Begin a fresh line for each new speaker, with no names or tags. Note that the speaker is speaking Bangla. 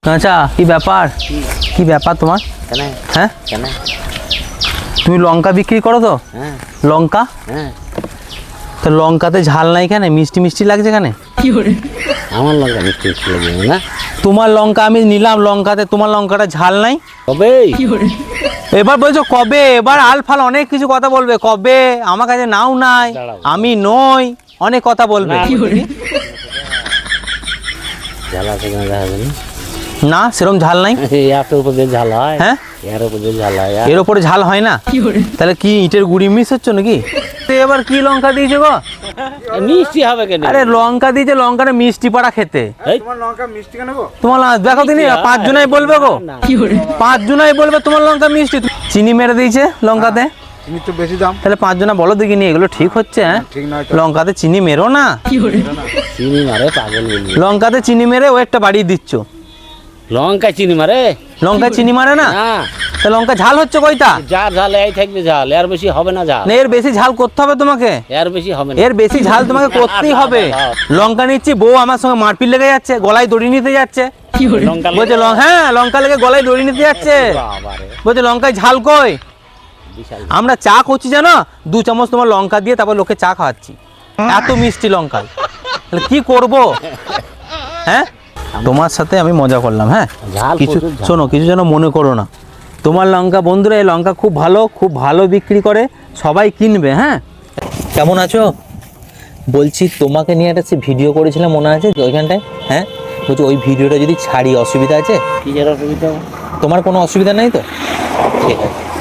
আচ্ছা কি ব্যাপার, কি ব্যাপার তোমার? হ্যাঁ তুমি লঙ্কা বিক্রি করো তো? লঙ্কা, তো লঙ্কাতে ঝাল নাই কেন? মিষ্টি মিষ্টি লাগছে কেন?
আমার লঙ্কা মিষ্টি মিষ্টি লাগে না।
তোমার লঙ্কা আমি নিলাম, লঙ্কাতে তোমার লঙ্কাটা ঝাল নাই।
কবে?
এবার বলছো কবে, এবার আলফাল অনেক কিছু কথা বলবে। কবে? আমার কাছে নাও নাই, আমি নই, অনেক কথা বলবে।
ঝাল আছে কেন দেখা যাবে
না, সেরকম ঝাল নাই।
এর উপর দিয়ে ঝাল হয়?
হ্যাঁ,
এর উপর দিয়ে ঝাল হয়।
এর ওপরে ঝাল হয় না? তাহলে কি ইটের গুড়ি মিস হচ্ছে নাকি? এবার কি লঙ্কা দিয়েছে গো?
মিষ্টি হবে কেন?
আরে লঙ্কা দিয়েছে, লঙ্কাটা মিষ্টি পাড়া খেতে।
তোমার লঙ্কা মিষ্টি কেন গো?
তোমার দেখো তিনি 5 জনাই বলবে গো, 5 জনাই বলবে তোমার লঙ্কা মিষ্টি। চিনি মেরে দিয়েছে লঙ্কাতে,
চিনি তো বেশি দাম।
তাহলে 5 জনা বলো দেখিনি এগুলো ঠিক হচ্ছে? হ্যাঁ,
ঠিক নয় তো।
লঙ্কাতে চিনি মেরো না,
চিনি মারে পাগল বলবি।
লঙ্কাতে চিনি মেরে ওয়েটটা বাড়িয়ে দিচ্ছ।
লঙ্কা চিনি মারে?
লঙ্কায় চিনি মারে না?
না,
তা লঙ্কা ঝাল হচ্ছে কয়টা?
যার ঝাল এই থাকবে ঝাল, এর বেশি হবে না ঝাল।
না, এর বেশি ঝাল করতে হবে তোমাকে,
এর বেশি হবে না।
এর বেশি ঝাল তোমাকে করতেই হবে। লঙ্কা নিচ্ছি, বউ আমার সঙ্গে মারপিট লেগে যাচ্ছে, গলায় দড়ি নিতে যাচ্ছে।
লঙ্কা
বলছে হ্যাঁ লঙ্কা লেগে গলায় দড়ি নিতে যাচ্ছে।
বাবারে,
বলছে লঙ্কায় ঝাল কই?
বিশাল।
আমরা চা করছি জানো, 2 চামচ তোমার লঙ্কা দিয়ে তারপর লোকে চা খাওয়াচ্ছি, এত মিষ্টি লঙ্কা। তাহলে কি করব? হ্যাঁ, তোমার সাথে আমি মজা করলাম। হ্যাঁ,
ঝাল
কিছু
প্রচুর ঝাল।
শোনো, কিছু যেন মনে করো না। তোমার লঙ্কা বন্ধুরা, এই লঙ্কা খুব ভালো, খুব ভালো বিক্রি করে, সবাই কিনবে। হ্যাঁ, কেমন আছো? বলছি তোমাকে নিয়ে একটা ভিডিও করেছিলাম, মনে আছে ওইখানটায়? হ্যাঁ, বলছি ওই ভিডিওটা যদি ছাড়ি অসুবিধা আছে?
কি এর অসুবিধা?
তোমার কোনো অসুবিধা নেই তো? ঠিক আছে।